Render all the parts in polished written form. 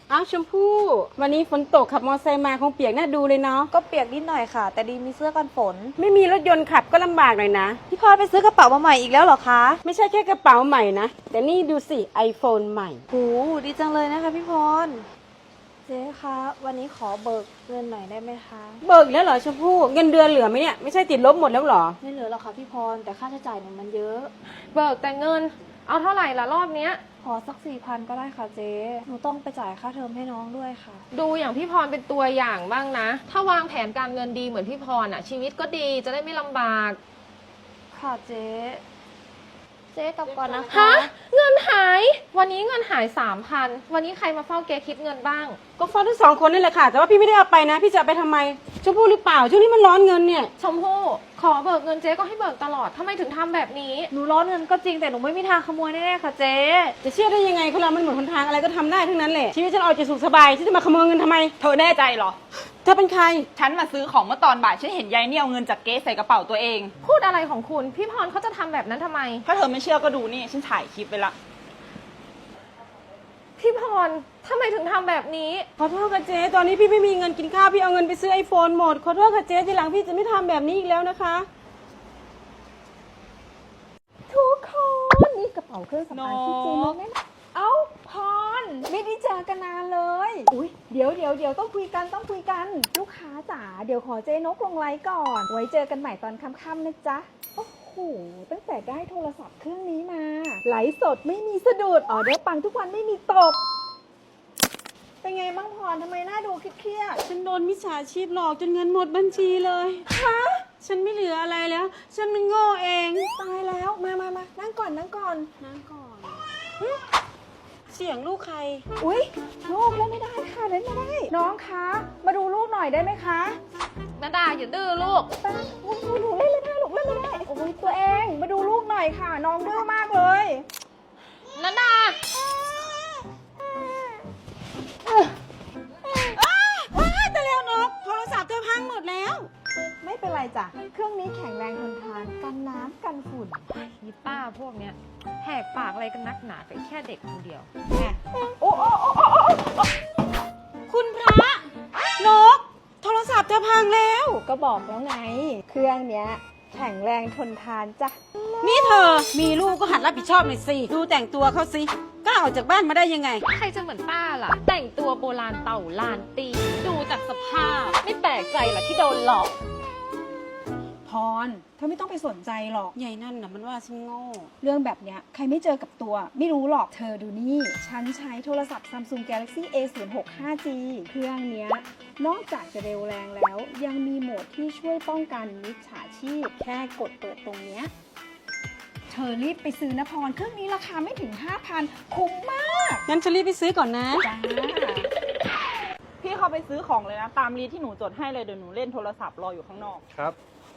อ้าวชมพู่วันนี้ฝนตกขับมอเตอร์ไซค์มาคงเปียกน่าดูเลยเนาะก็เปียกนิดหน่อยค่ะแต่ดีมีเสื้อกันฝนไม่มีรถยนต์ขับก็ลำบากหน่อยนะพี่พรไปซื้อกระเป๋ามาใหม่อีกแล้วเหรอคะไม่ใช่แค่กระเป๋าใหม่นะแต่นี่ดูสิ iPhone ใหม่หูดีจังเลยนะคะพี่พรเจ๊คะวันนี้ขอเบิกเงินหน่อยได้ไหมคะเบิกแล้วเหรอชมพู่เงินเดือนเหลือไหมเนี่ยไม่ใช่ติดลบหมดแล้วเหรอไม่เหลือหรอกค่ะพี่พรแต่ค่าใช้จ่ายเนี่ยมันเยอะเบิกแต่เงินเอาเท่าไหร่ละรอบเนี้ยขอสัก4,000ก็ได้ค่ะเจ๊หนูต้องไปจ่ายค่าเทอมให้น้องด้วยค่ะดูอย่างพี่พรเป็นตัวอย่างบ้างนะถ้าวางแผนการเงินดีเหมือนพี่พรอ่ะชีวิตก็ดีจะได้ไม่ลำบากค่ะเจ๊กลับก่อนนะคะฮะเงินหายวันนี้เงินหาย 3,000 วันนี้ใครมาเฝ้าเก๊คิดเงินบ้างก็ฟ้องทั้ง2 คนนั่นแหละค่ะแต่ว่าพี่ไม่ได้เอาไปนะพี่จะเอาไปทำไมชมพู่หรือเปล่าช่วงนี้มันร้อนเงินเนี่ยชมพู่ขอเบิกเงินเจ๊ก็ให้เบิกตลอดทำไมถึงทำแบบนี้หนูร้อนเงินก็จริงแต่หนูไม่มีทางขโมยแน่ๆค่ะเจ๊จะเชื่อได้ยังไงคนเรามันหมดหนทางอะไรก็ทำได้ทั้งนั้นแหละชีวิตฉันเอาจะสุขสบายที่จะมาขโมยเงินทำไมเธอแน่ใจเหรอเธอเป็นใครฉันมาซื้อของเมื่อตอนบ่ายฉันเห็นยายเนี่ยเอาเงินจากเก๊ใส่กระเป๋าตัวเองพูดอะไรของคุณพี่พรเขาจะทำแบบนั้นทำไมถ้าเธอไม่เชื่อก็ดูนี่ฉันถ่ายคลิปไว้ละพี่พรทำไมถึงทำแบบนี้ขอโทษค่ะเจ๊ตอนนี้พี่ไม่มีเงินกินข้าวพี่เอาเงินไปซื้อ iPhone หมดขอโทษค่ะเจ๊ทีหลังพี่จะไม่ทำแบบนี้อีกแล้วนะคะทุกคนนี่กระเป๋าเครื่องสำอางที่เจ๊น้องแม่เอ้าพรไม่ได้เจอกันนานเลยอุ้ยเดี๋ยวต้องคุยกันลูกค้าจ๋าเดี๋ยวขอเจ๊นกลงไลน์ก่อนไว้เจอกันใหม่ตอนค่ำๆนะจ๊ะโอ้โหตั้งแต่ได้โทรศัพท์เครื่องนี้มาไลฟ์สดไม่มีสะดุดออเดอร์ปังทุกวันไม่มีตกเป็นไงบ้างพรทำไมหน้าดูเครียดฉันโดนมิจฉาชีพหลอกจนเงินหมดบัญชีเลยฮะฉันไม่เหลืออะไรแล้วฉันมันโง่เองตายแล้วมานั่งก่อนเสียงลูกใครอุ๊ยลูกเล่นไม่ได้ค่ะเล่นไม่ได้น้องคะมาดูลูกหน่อยได้ไหมคะนาดาอย่าดื้อลูกหนูเล่นไม่ได้ลูกเล่นไม่ได้โอ้ยตัวเองมาดูลูกหน่อยค่ะน้องดื้อมากเลยนาดาว้ายแต่แล้วนกโทรศัพท์เธอพังหมดแล้วไม่เป็นไรจ้ะเครื่องนี้แข็งแรงทนทานกันน้ำกันฝุ่นนี่ป้าพวกเนี้ยแหกปากอะไรกันนักหนาไปแค่เด็กคนเดียวโอ้คุณพระนกโทรศัพท์เธอพังแล้วก็บอกแล้วไงเครื่องเนี้ยแข็งแรงทนทานจ้ะนี่เธอมีลูกก็หัดรับผิดชอบหน่อยสิดูแต่งตัวเขาสิกล้าออกจากบ้านมาได้ยังไงใครจะเหมือนป้าล่ะแต่งตัวโบราณเต่าลานตีดูจากสภาพไม่แปลกใจหรอที่โดนหลอกพรเธอไม่ต้องไปสนใจหรอกใหญ่นั่นน่ะมันว่าฉันโง่เรื่องแบบเนี้ยใครไม่เจอกับตัวไม่รู้หรอกเธอดูนี่ฉันใช้โทรศัพท์ Samsung Galaxy A06 5G เครื่องเนี้ยนอกจากจะเร็วแรงแล้วยังมีโหมดที่ช่วยป้องกันมิจฉาชีพแค่กดเปิดตรงเนี้ยเธอรีบไปซื้อนะพรเครื่องนี้ราคาไม่ถึง 5,000 คุ้มมากงั้นฉันรีบไปซื้อก่อนนะจ้าพี่เข้าไปซื้อของเลยนะตามรีที่หนูจดให้เลยเดี๋ยวหนูเล่นโทรศัพท์รออยู่ข้างนอกครับ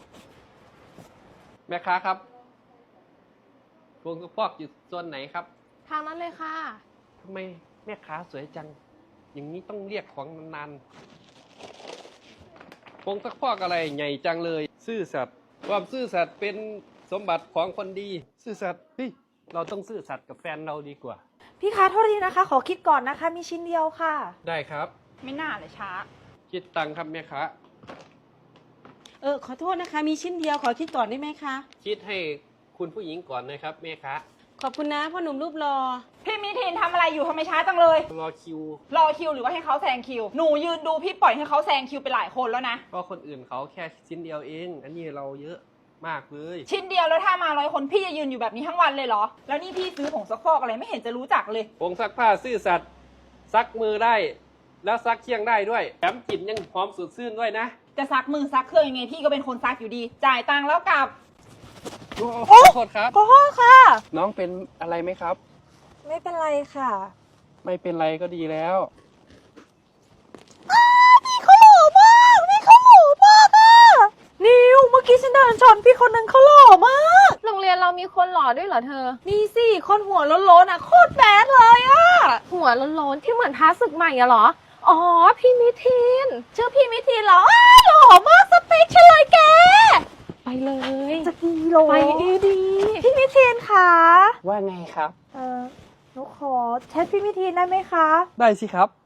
แม่ค้าครับพวงกระพอกอยู่ส่วนไหนครับทางนั้นเลยค่ะทำไมแม่ค้าสวยจังอย่างนี้ต้องเรียกของนานๆพวงกระพอกอะไรใหญ่จังเลยซื่อสัตย์ความซื่อสัตย์เป็นสมบัติของคนดีซื่อสัตย์เฮ้ยเราต้องซื่อสัตย์กับแฟนเราดีกว่าพี่คะโทษทีนะคะขอคิดก่อนนะคะมีชิ้นเดียวค่ะได้ครับไม่น่าเลยช้าคิดตังค์ครับแม่ค้าขอโทษนะคะมีชิ้นเดียวขอคิดก่อนได้ไหมคะคิดให้คุณผู้หญิงก่อนนะครับแม่ค้าขอบคุณนะพ่อหนุ่มรูปรอพี่มิทินทำอะไรอยู่ทำไมช้าจังเลยรอคิวหรือว่าให้เขาแซงคิวหนูยืนดูพี่ปล่อยให้เขาแซงคิวไปหลายคนแล้วนะก็คนอื่นเขาแค่ชิ้นเดียวเองอันนี้เราเยอะมากเลยชิ้นเดียวแล้วถ้ามา100 คนพี่จะยืนอยู่แบบนี้ทั้งวันเลยเหรอแล้วนี่พี่ซื้อผงซักฟอกอะไรไม่เห็นจะรู้จักเลยผงซักผ้าซื่อสัตย์ซักมือได้แล้วซักเคียงได้ด้วยแถมกลิ่นยังหอมสดชื่นด้วยนะจะซักมือซักเครื่องยังไงพี่ก็เป็นคนซักอยู่ดีจ่ายตังค์แล้วกลับขอโทษครับขอโทษค่ะน้องเป็นอะไรไหมครับไม่เป็นไรค่ะไม่เป็นไรก็ดีแล้วพี่เขาหล่อมากอ่ะนิวเมื่อกี้ฉันเดินชนพี่คนนึงเขาหล่อมากโรงเรียนเรามีคนหล่อด้วยเหรอเธอนี่สิคนหัวโล้นๆอ่ะโคตรแบดเลยอ่ะหัวโล้นๆที่เหมือนท้าศึกใหม่อะเหรออ๋อพี่มิทินชื่อพี่มิทินเหรอหล่อมากสเปคฉันเลยแกไปเลยจะกี่โลไปดีพี่มิทินค่ะว่าไงครับหนูขอแชทพี่มิทินได้ไหมคะได้สิครับ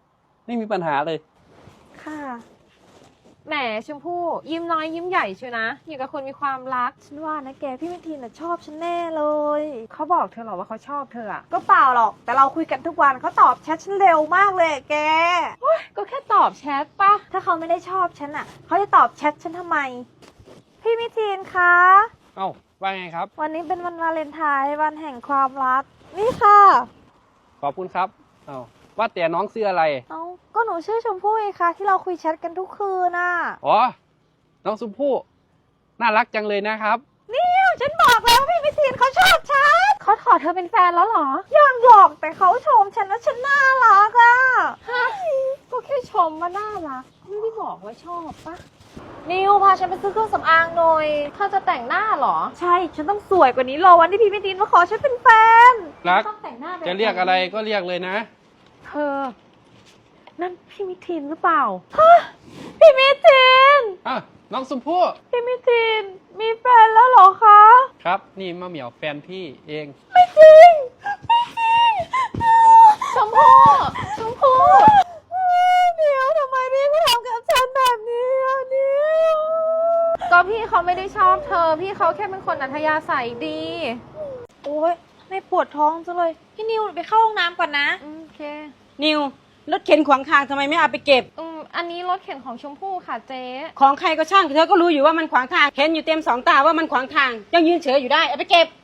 ไม่มีปัญหาเลยค่ะแหมชมพู่ยิ้มน้อยยิ้มใหญ่เชียวนะอย่างกับคนมีความรักฉันว่านะแกพี่มิทีนน่ะชอบฉันแน่เลยเขาบอกเธอเหรอว่าเขาชอบเธออะก็เปล่าหรอก แต่เราคุยกันทุกวันเขาตอบแชทฉันเร็วมากเลยอะแกก็แค่ตอบแชทปะถ้าเขาไม่ได้ชอบฉันอ่ะ เขาจะตอบแชทฉันทำไม พี่มิทีนคะเอ้าว่าไงครับวันนี้เป็นวันวาเลนไทน์วันแห่งความรัก นี่ค่ะขอบคุณครับเอ้าว่าแต่น้องซื้ออะไรเอาก็หนูชื่อชมพู่ไงคะที่เราคุยแชทกันทุกคืนน่ะอ๋อ น้องชมพู่น่ารักจังเลยนะครับเนี่ยฉันบอกแล้วพี่มิทีนเขาชอบฉันเขาขอเธอเป็นแฟนแล้วเหรอยังหรอกแต่เขาชมฉันว่าฉันน่ารักอ่ะก็แค่ชมว่าน่ารักไม่ได้บอกว่าชอบปะนิวพาฉันไปซื้อเครื่องสำอางหน่อยเธอจะแต่งหน้าเหรอใช่ ฉันต้องสวยกว่านี้รอวันที่พี่มิทีนมาขอฉันเป็นแฟนรักต้องแต่งหน้าแบบจะเรียกอะไรก็เรียกเลยนะเธอ นั่นพี่มิทินหรือเปล่าพี่มิทีนอ่ะ น้องชมพู่พี่มิทีนมีแฟนแล้วเหรอคะครับ นี่มะเหมียวแฟนพี่เองไม่จริง ไม่จริงชมพู่ชมพู่เดี๋ยวทำไมพี่มาทำกับฉันแบบนี้อ่ะนิวก็พี่เขาไม่ได้ชอบเธอ พี่เขาแค่เป็นคนอัธยาศัยดีโอ๊ยไม่ปวดท้องจังเลย พี่นิวไปเข้าห้องน้ำก่อนนะโอเคนิวรถเข็นขวางทางทำไมไม่เอาไปเก็บอันนี้รถเข็นของชมพู่ค่ะเจ๊ของใครก็ช่างเธอก็รู้อยู่ว่ามันขวางทางเห็นอยู่เต็มสองตาว่ามันขวางทางยังยืนเฉยอยู่ได้เอาไปเก็บ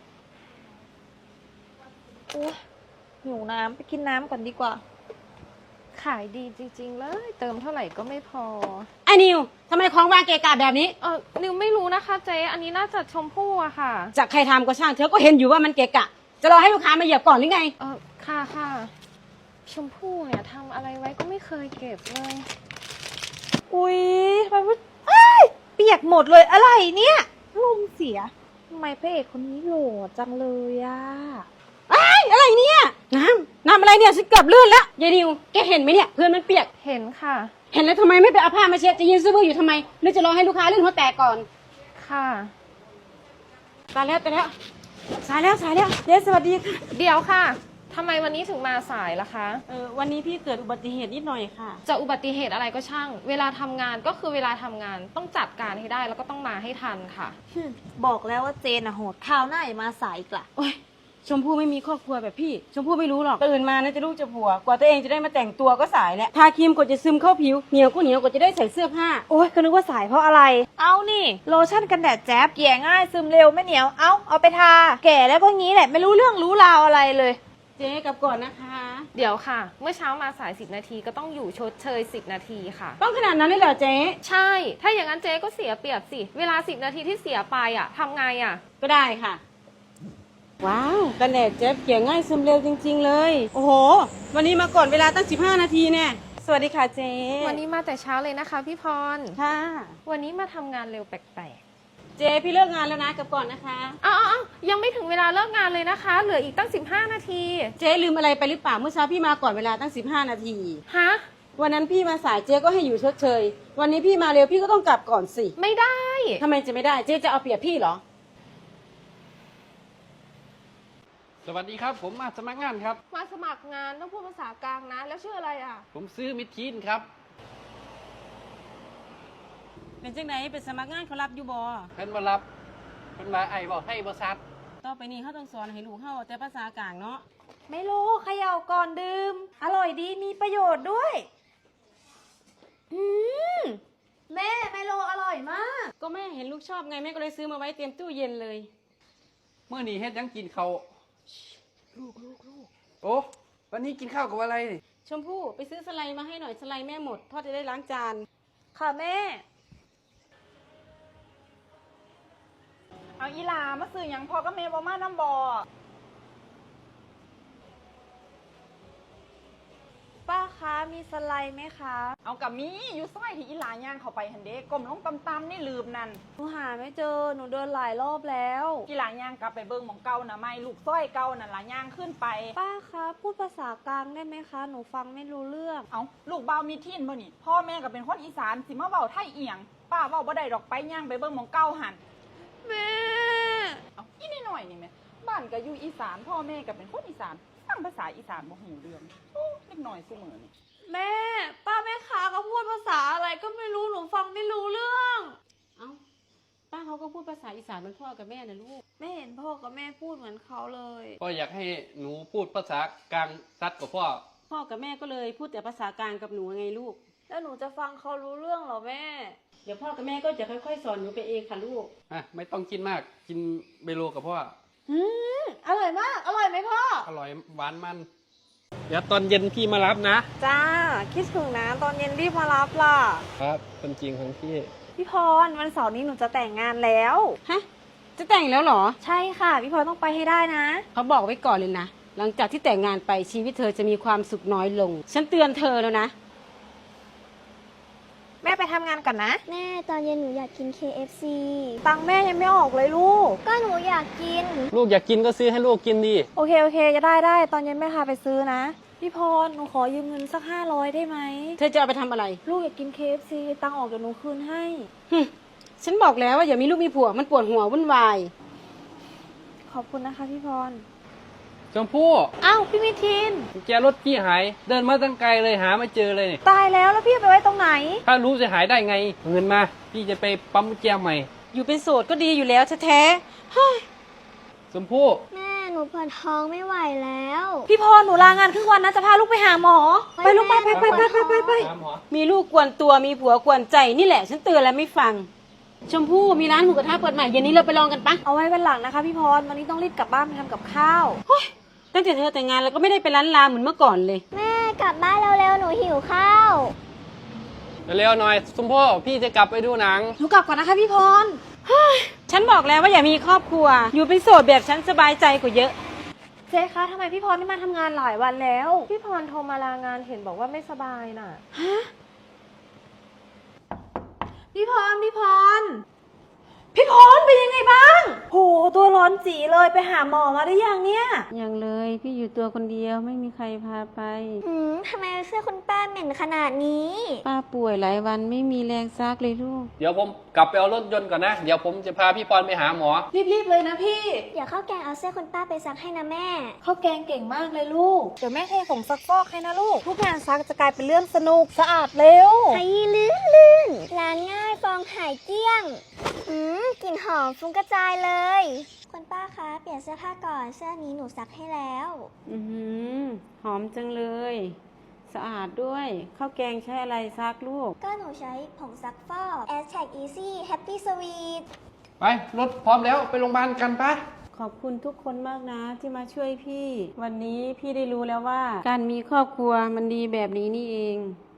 โอ๊ยหิวน้ำไปกินน้ำก่อนดีกว่าขายดีจริงๆเลย เติมเท่าไหร่ก็ไม่พอไอ้นิวทำไมของวางเกะกะแบบนี้นิวไม่รู้นะคะเจ๊ อันนี้น่าจะชมพู่อะค่ะจากใครทำก็ช่างเธอก็เห็นอยู่ว่ามันเกะกะ จะรอให้ลูกค้ามาเหยียบก่อนหรือไงค่ะค่ะ ชมพู่เนี่ยทำอะไรไว้ก็ไม่เคยเก็บเลยอุ๊ยทำไมมันอ้ายเปียกหมดเลยอะไรเนี่ยลมเสียทำไมพระเอกคนนี้โหล่จังเลยอะอะไรเนี่ยน้ำอะไรเนี่ยฉันเกือบลื่นแล้วยายนิวแกเห็นไหมเนี่ยเพื่อนมันเปียกเห็นค่ะเห็นแล้วทำไมไม่ไปเอาผ้ามาเช็ดจะยืนซื้อบื้ออยู่ทำไมหรือจะรอให้ลูกค้าลื่นหัวแตกก่อนค่ะตายแล้วสายแล้วเจ๊สวัสดีค่ะเดี๋ยวค่ะ ทำไมวันนี้ถึงมาสายล่ะคะวันนี้พี่เกิดอุบัติเหตุนิดหน่อยค่ะจะอุบัติเหตุอะไรก็ช่าง เวลาทำงานก็คือเวลาทำงานต้องจัดการให้ได้แล้วก็ต้องมาให้ทันค่ะบอกแล้วว่าเจนอะโหดคราวหน้าอย่ามาสายอีกละโอ๊ยชมพู่ไม่มีครอบครัวแบบพี่ ชมพู่ไม่รู้หรอกตื่นมานะจะลูกจะผัว กว่าตัวเองจะได้มาแต่งตัวก็สายแล้วทาครีมกว่าจะซึมเข้าผิวเหนียวก็เหนียวกว่าจะได้ใส่เสื้อผ้าโอ๊ยก็นึกว่าสายเพราะอะไร เอานี่โลชั่นกันแดดแจ๊บเกลี่ยง่ายซึมเร็วไม่เหนียวเอาไปทา แก่แล้วก็งี้แหละไม่รู้เรื่องรู้ราวอะไรเลยเจ๊กลับก่อนนะคะเดี๋ยวค่ะ เมื่อเช้ามาสาย10 นาทีก็ต้องอยู่ชดเชย10 นาทีค่ะต้องขนาดนั้นเลยเหรอเจ๊ใช่ ถ้าอย่างนั้นเจ๊ก็เสียเปรียบสิ เวลา10 นาทีที่เสียไปอะทำไงอะก็ได้ค่ะ ว้าวกันแดดเจ๊เกลี่ยง่ายซึมเร็วจริง ๆ เลย โอ้โห วันนี้มาก่อนเวลาตั้ง15 นาทีเนี่ยสวัสดีค่ะเจ๊วันนี้มาแต่เช้าเลยนะคะพี่พรค่ะวันนี้มาทำงานเร็วแปลกเจ๊พี่เลิกงานแล้วนะกลับก่อนนะคะๆอ้าวยังไม่ถึงเวลาเลิกงานเลยนะคะ เหลืออีกตั้ง15 นาทีเจ๊ลืมอะไรไปหรือเปล่าเมื่อเช้าพี่มาก่อนเวลาตั้ง15 นาทีฮะวันนั้นพี่มาสายเจ๊ก็ให้อยู่ชดเชย วันนี้พี่มาเร็วพี่ก็ต้องกลับก่อนสิไม่ได้ทำไมจะไม่ได้เจ๊จะเอาเปรียบพี่เหรอสวัสดีครับ ผมมาสมัครงานครับมาสมัครงานต้องพูดภาษากลางนะ แล้วชื่ออะไรอ่ะผมซื้อมิดทีนครับเป็นจังไหนเป็นสมัครงานเขารับอยู่บ่เพิ่นมารับเพิ่นมาไอ้บอกให้บริษัทต่อไปนี้เขาต้องสอนให้ลูกเขาแต่ภาษากลางเนาะไม่รู้เขย่าก่อนดื่ม อร่อยดีมีประโยชน์ด้วย แม่ไมโลอร่อยมากก็แม่เห็นลูกชอบไงแม่ก็เลยซื้อมาไว้เตรียมตู้เย็นเลยเมื่อนี้เฮ็ดหยังกินเขาวลูกโอ้วันนี้กินข้าวกับอะไรชมพู่ไปซื้อสไลด์มาให้หน่อยสไลด์แม่หมดพ่อจะได้ล้างจานค่ะแม่เอาอีหลามาซื้อหยังพอก็เมบอมาน้ำบอป้าคะมีสไลด์ไหมคะเอากับมีอยู่ซอยที่อีหลาย่างเข้าไปหันเด้ก้มลงตำๆนี่ลืมนั่นหนูหาไม่เจอหนูเดินหลายรอบแล้วอีหลาย่างกลับไปเบิ่งหมองเก่านะไม่ลูกซอยเก่านั่นหลาย่างขึ้นไปป้าคะพูดภาษากลางได้ไหมคะ หนูฟังไม่รู้เรื่องเอาลูกเบามีทินบ่นี่พ่อแม่ก็เป็นคนอีสานสิมาเว้าไทยเอียงป้าเว้าบ่ได้ดอกไปย่างไปเบิ่งหมองเก่าหันแม่เอาอีนี่หน่อยนี่แม่บ้านก็อยู่อีสานพ่อแม่ก็เป็นคนอีสานฟังภาษาอีสานบ่หูเรื่องโอ้เล็กน้อยซุมื้อนี่แม่งไม่รู้เรื่องเอ้าป้าเขาก็พูดภาษาอีสานเหมือนพ่อกับแม่นะลูกไม่เห็นพ่อกับแม่พูดเหมือนเขาเลยพ่ออยากให้หนูพูดภาษากลางซัดกับพ่อพ่อกับแม่ก็เลยพูดแต่ภาษากลางกับหนูไงลูกแล้วหนูจะฟังเขารู้เรื่องเหรอแม่เดี๋ยวพ่อกับแม่ก็จะค่อยๆสอนหนูไปเองค่ะลูกไม่ต้องกินมาก กินเบโลกับพ่ออร่อยมาก อร่อยไหมพ่ออร่อยหวานมัน เดี๋ยวตอนเย็นพี่มารับนะจ้า คิดถึงนะตอนเย็นรีบมารับล่ะครับเป็นจริงของพี่พี่พรวันเสาร์นี้หนูจะแต่งงานแล้วฮะ จะแต่งแล้วเหรอใช่ค่ะ พี่พรต้องไปให้ได้นะเขาบอกไว้ก่อนเลยนะ หลังจากที่แต่งงานไปชีวิตเธอจะมีความสุขน้อยลง ฉันเตือนเธอแล้วนะแม่ไปทำงานก่อนนะแม่ตอนเย็นหนูอยากกิน KFC ตังค์แม่ยังไม่ออกเลยลูกก็หนูอยากกินลูกอยากกินก็ซื้อให้ลูกกินดีโอเคจะได้ตอนเย็นแม่พาไปซื้อนะ พี่พรหนูขอยืมเงินสัก500ได้ไหมเธอจะเอาไปทำอะไรลูกอยากกิน KFC ตังค์ออกเดี๋ยวหนูคืนให้ฉันบอกแล้วว่าอย่ามีลูกมีผัวมันปวดหัววุ่นวายขอบคุณนะคะพี่พรชมพู่อ้าวพี่มิทินกุญแจรถพี่หาย เดินมาตั้งไกลเลยหาไม่เจอเลยนี่ตายแล้วพี่ไปไว้ตรงไหนถ้ารู้จะหายได้ไงเอาเงินมา พี่จะไปปั๊มกุญแจใหม่อยู่เป็นโสดก็ดีอยู่แล้วแท้ๆเฮ้ยชมพู่แม่หนูปวดท้องไม่ไหวแล้วพี่พรหนูลางานครึ่งวันนะจะพาลูกไปหาหมอ ไปลูกไปแม่ไปตามหมอมีลูกกวนตัวมีผัวกวนใจนี่แหละ ฉันเตือนแล้วไม่ฟัง ชมพู่มีร้านหมูกระทะเปิดใหม่เย็นนี้เราไปลองกันปะเอาไว้วันหลังนะคะพี่พรวันนี้ต้องรีบกลับบ้านไปทำกับข้าวตั้งแต่เธอแต่งงานเราก็ไม่ได้ไปร้านลาเหมือนเมื่อก่อนเลยแม่กลับบ้านเร็วๆหนูหิวข้าวเร็วๆหน่อยชมพู่พี่จะกลับไปดูหนังหนูกลับก่อนนะคะพี่พรฉันบอกแล้วว่าอย่ามีครอบครัว อยู่เป็นโสดแบบฉันสบายใจกว่าเยอะเจ๊คะทำไมพี่พรไม่มาทำงานหลายวันแล้ว พี่พรโทรมาลางานเห็นบอกว่าไม่สบายน่ะ พี่พรพี่พรเป็นยังไงบ้าง โหตัวร้อนจีเลยไปหาหมอมาได้ยังเนี่ยยังเลยพี่อยู่ตัวคนเดียวไม่มีใครพาไปทำไมเสื้อคุณป้าเหม็นขนาดนี้ป้าป่วยหลายวันไม่มีแรงซักเลยลูกเดี๋ยวผมกลับไปเอารถยนต์ก่อนนะ เดี๋ยวผมจะพาพี่ปอนไปหาหมอรีบๆเลยนะพี่เดี๋ยวข้าวแกงเอาเสื้อคุณป้าไปซักให้นะแม่ข้าวแกงเก่งมากเลยลูก เดี๋ยวแม่เทผงซักฟอกให้นะลูก ทุกงานซักจะกลายเป็นเรื่องสนุกสะอาดเร็วไอ้ลื่นล้างง่ายฟองหายเกลี้ยงกลิ่นหอมฟุ้งกระจายเลย คุณป้าคะเปลี่ยนเสื้อผ้าก่อนเสื้อนี้หนูซักให้แล้วหอมจังเลย สะอาดด้วยข้าวแกงใช้อะไรซักลูกก็หนูใช้ผงซักฟอก Aztec Easy Happy Sweet ไปรถพร้อมแล้วไปโรงพยาบาลกันปะขอบคุณทุกคนมากนะที่มาช่วยพี่ วันนี้พี่ได้รู้แล้วว่า การมีครอบครัวมันดีแบบนี้นี่เอง